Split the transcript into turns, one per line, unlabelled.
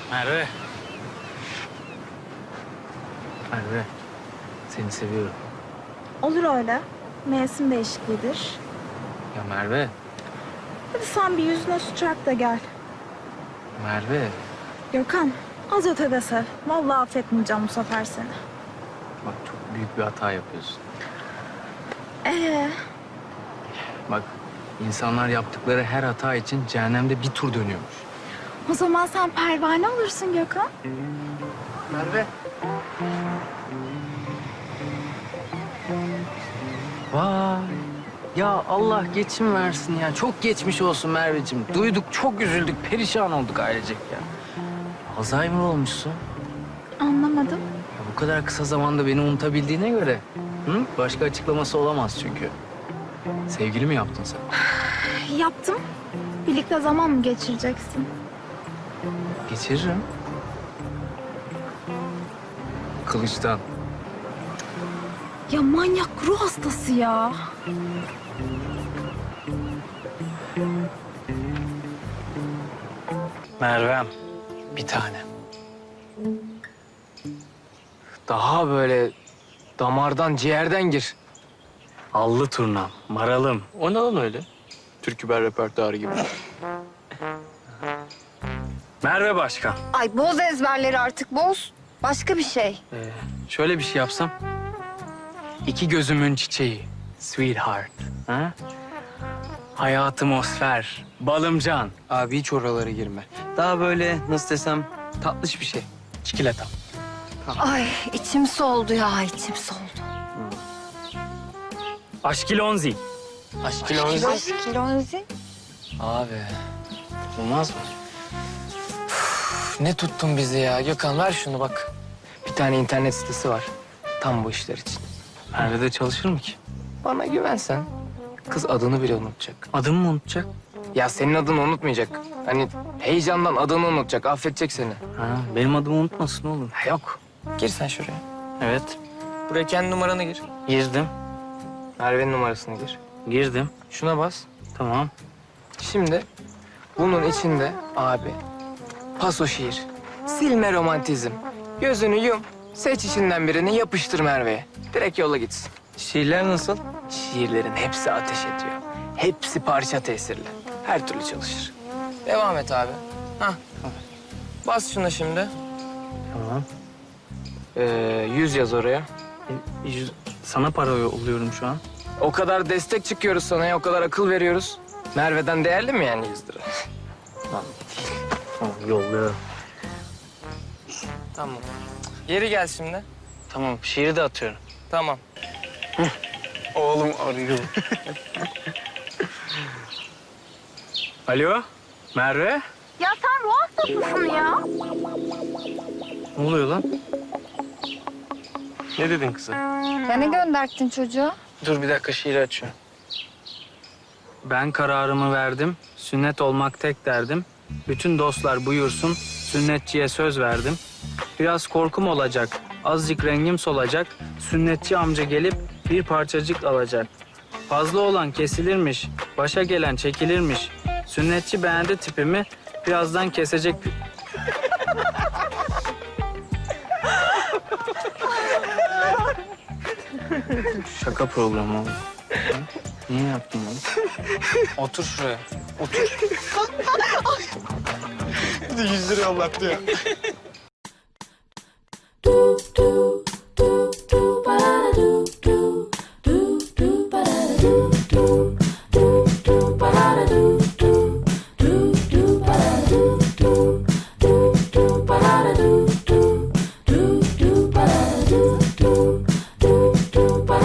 Merve. Merve. Seni seviyorum.
Olur öyle. Mevsim değişikliğidir.
Ya Merve.
Hadi sen bir yüzüne su çarp da gel.
Merve.
Gökhan, az ötede sev. Vallahi affetmeyeceğim bu sefer seni.
Bak çok büyük bir hata yapıyorsun.
Ee,
Bak insanlar yaptıkları her hata için cehennemde bir tur dönüyormuş.
o zaman sen pervane olursun Gökhan.
Merve. Vay. Ya Allah geçim versin ya. Çok geçmiş olsun Merveciğim. Duyduk, çok üzüldük, perişan olduk ailecek ya. Alzheimer olmuşsun.
Anlamadım.
Ya bu kadar kısa zamanda beni unutabildiğine göre... Hı? Başka açıklaması olamaz çünkü. Sevgili mi yaptın sen?
Yaptım. Birlikte zaman mı geçireceksin?
Geçiririm. Kılıçtan.
Ya manyak ruh hastası ya.
Mervem, bir tane. Daha böyle damardan, ciğerden gir. Allı turnam, maralım. O ne lan öyle? Türküber repertuarı gibi. Merve Başkan.
Ay boz ezberleri artık boz. Başka bir şey.
Şöyle bir şey yapsam. İki gözümün çiçeği, sweetheart. Ha? Hayatımosfer, balımcan.
Abi hiç oralara girme. Daha böyle nasıl desem tatlış bir şey.
Çikolata.
Ay içim soldu ya içim soldu.
Aşkilonzi.
Aşkilonzi.
Aşkilonzi.
Abi
Olmaz mı?
ne tuttun bizi ya? Gökhan ver şunu bak. Bir tane internet sitesi var. Tam bu işler için.
Merve'de çalışır mı ki?
Bana güvensen kız adını bile unutacak.
Adımı mı unutacak?
Ya senin adını unutmayacak. Hani heyecandan adını unutacak, affedecek seni.
Ha, benim adımı unutmasın oğlum.
Ha, yok. Gir sen şuraya.
Evet,
Buraya kendi numaranı gir.
girdim.
Merve'nin numarasını gir.
Girdim.
Şuna bas.
Tamam.
Şimdi bunun içinde abi paso şiir, silme romantizm. Gözünü yum, seç içinden birini yapıştır Merve'ye. Direkt yola gitsin.
Şiirler nasıl?
Şiirlerin hepsi ateş ediyor. Hepsi parça tesirli. Her türlü çalışır. Devam et abi. Hah. Bas şuna şimdi.
Tamam.
100 yaz oraya.
Sana para yolluyorum şu an.
O kadar destek çıkıyoruz sana ya, o kadar akıl veriyoruz. Merve'den değerli mi yani 100 lira?
Tamam, yolluyorum.
Tamam. Geri gel şimdi.
Tamam, şiiri de atıyorum.
Tamam.
Oğlum arıyor. Alo, Merve?
Ya sen ruh hastasısın ya.
Ne oluyor lan? Ne dedin kızım?
Ya ne gönderdin çocuğa?
Dur bir dakika, şiiri açıyorum. Ben kararımı verdim, sünnet olmak tek derdim. Bütün dostlar buyursun, sünnetçiye söz verdim. Biraz korkum olacak, azıcık rengim solacak. Sünnetçi amca gelip bir parçacık alacak. Fazla olan kesilirmiş, başa gelen çekilirmiş. Sünnetçi beğendi tipimi, birazdan kesecek. Şaka programı oldu. Niye yaptın bunu?
Otur şuraya. Otur.
100 lira yollattı ya.